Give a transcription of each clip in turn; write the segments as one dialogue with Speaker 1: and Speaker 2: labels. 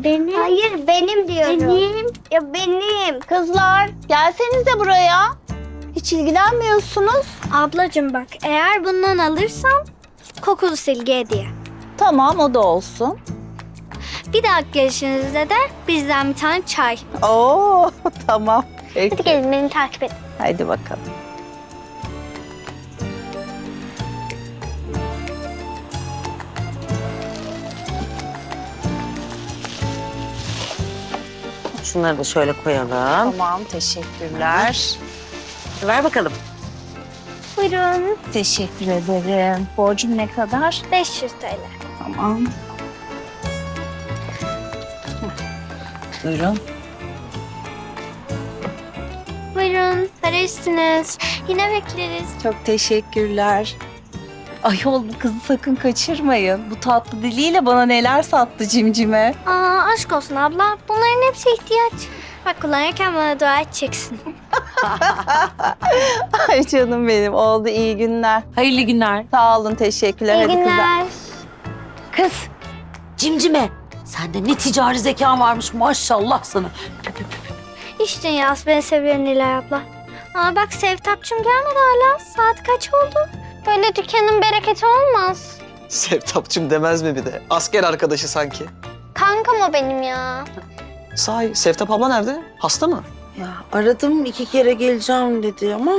Speaker 1: Benim.
Speaker 2: Hayır benim diyorum.
Speaker 1: Benim.
Speaker 2: Ya benim.
Speaker 3: Kızlar gelsenize buraya. Hiç ilgilenmiyorsunuz.
Speaker 1: Ablacığım bak, eğer bundan alırsan kokulu silgi hediye.
Speaker 3: Tamam, o da olsun.
Speaker 1: Bir dahaki gelişinizde de bizden bir tane çay.
Speaker 3: Oo tamam. Peki.
Speaker 2: Hadi gelin beni takip edin.
Speaker 3: Haydi bakalım.
Speaker 4: Şunları da şöyle koyalım.
Speaker 3: Tamam, teşekkürler.
Speaker 4: Ver bakalım.
Speaker 1: Buyurun.
Speaker 3: Teşekkür ederim. Borcum ne kadar?
Speaker 1: 500 TL.
Speaker 3: Tamam. Buyurun.
Speaker 1: Buyurun. Para üstünüz. Yine bekleriz.
Speaker 3: Çok teşekkürler. Ayol bu kızı sakın kaçırmayın. Bu tatlı diliyle bana neler sattı cimcime.
Speaker 1: Aa, aşk olsun abla. Bunların hepsi ihtiyaç. Bak kullanırken bana dua edeceksin.
Speaker 3: Ay canım benim, oldu, iyi günler.
Speaker 4: Hayırlı günler.
Speaker 3: Sağ olun, teşekkürler.
Speaker 2: İyi
Speaker 3: Hadi kızlar.
Speaker 2: günler.
Speaker 4: Kız, cimcime. Sende ne ticari zekan varmış maşallah sana.
Speaker 1: İş dünyası beni seviyor Nilay abla. Aa bak Sevtapçım gelmedi hala. Saat kaç oldu?
Speaker 2: Böyle dükkanın bereketi olmaz.
Speaker 5: Sevtapçım demez mi bir de? Asker arkadaşı sanki.
Speaker 2: Kankam o benim ya.
Speaker 5: Sahi Sevtap abla nerede? Hasta mı?
Speaker 4: Ya aradım 2 kere geleceğim dedi ama.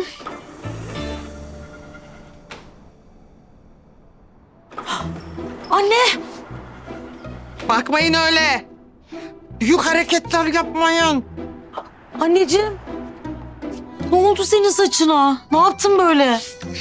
Speaker 4: Anne!
Speaker 6: Bakmayın öyle. Büyük hareketler yapmayın.
Speaker 4: Anneciğim. Ne oldu senin saçına? Ne yaptın böyle?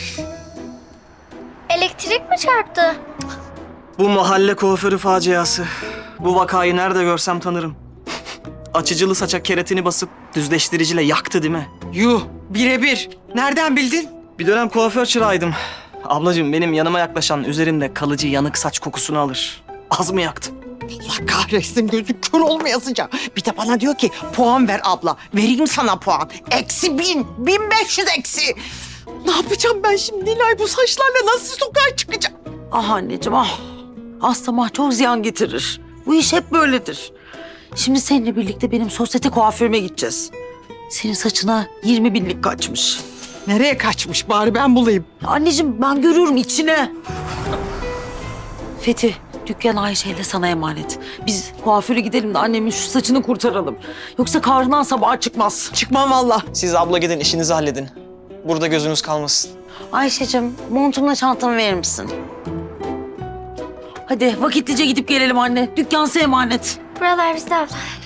Speaker 1: Elektrik mi çarptı?
Speaker 5: Bu mahalle kuaförü faciası. Bu vakayı nerede görsem tanırım. Açıcılı saça keratini basıp düzleştiriciyle yaktı değil mi?
Speaker 6: Yuh, birebir. Nereden bildin?
Speaker 5: Bir dönem kuaför çırağıydım. Ablacığım benim yanıma yaklaşan üzerimde kalıcı yanık saç kokusunu alır. Az mı yaktım?
Speaker 6: Allah kahretsin, gözü kör olmayasıca. Bir de bana diyor ki puan ver abla. Vereyim sana puan. -1000, 1500 eksi. Ne yapacağım ben şimdi Nilay, bu saçlarla nasıl sokağa çıkacağım?
Speaker 4: Ah anneciğim ah. Hastama çok ziyan getirir. Bu iş hep böyledir. Şimdi seninle birlikte benim sosyete kuaförüme gideceğiz. Senin saçına 20 binlik kaçmış.
Speaker 6: Nereye kaçmış, bari ben bulayım.
Speaker 4: Anneciğim ben görüyorum içine. Fethi, dükkan Ayşe ile sana emanet. Biz kuaföre gidelim de annemin şu saçını kurtaralım. Yoksa kahrından sabaha çıkmaz.
Speaker 6: Çıkmam valla.
Speaker 5: Siz abla gidin işinizi halledin. Burada gözünüz kalmasın.
Speaker 4: Ayşe'cim montumla çantamı verir misin? Hadi vakitlice gidip gelelim anne. Dükkan size emanet.
Speaker 1: Buralar bizde abla.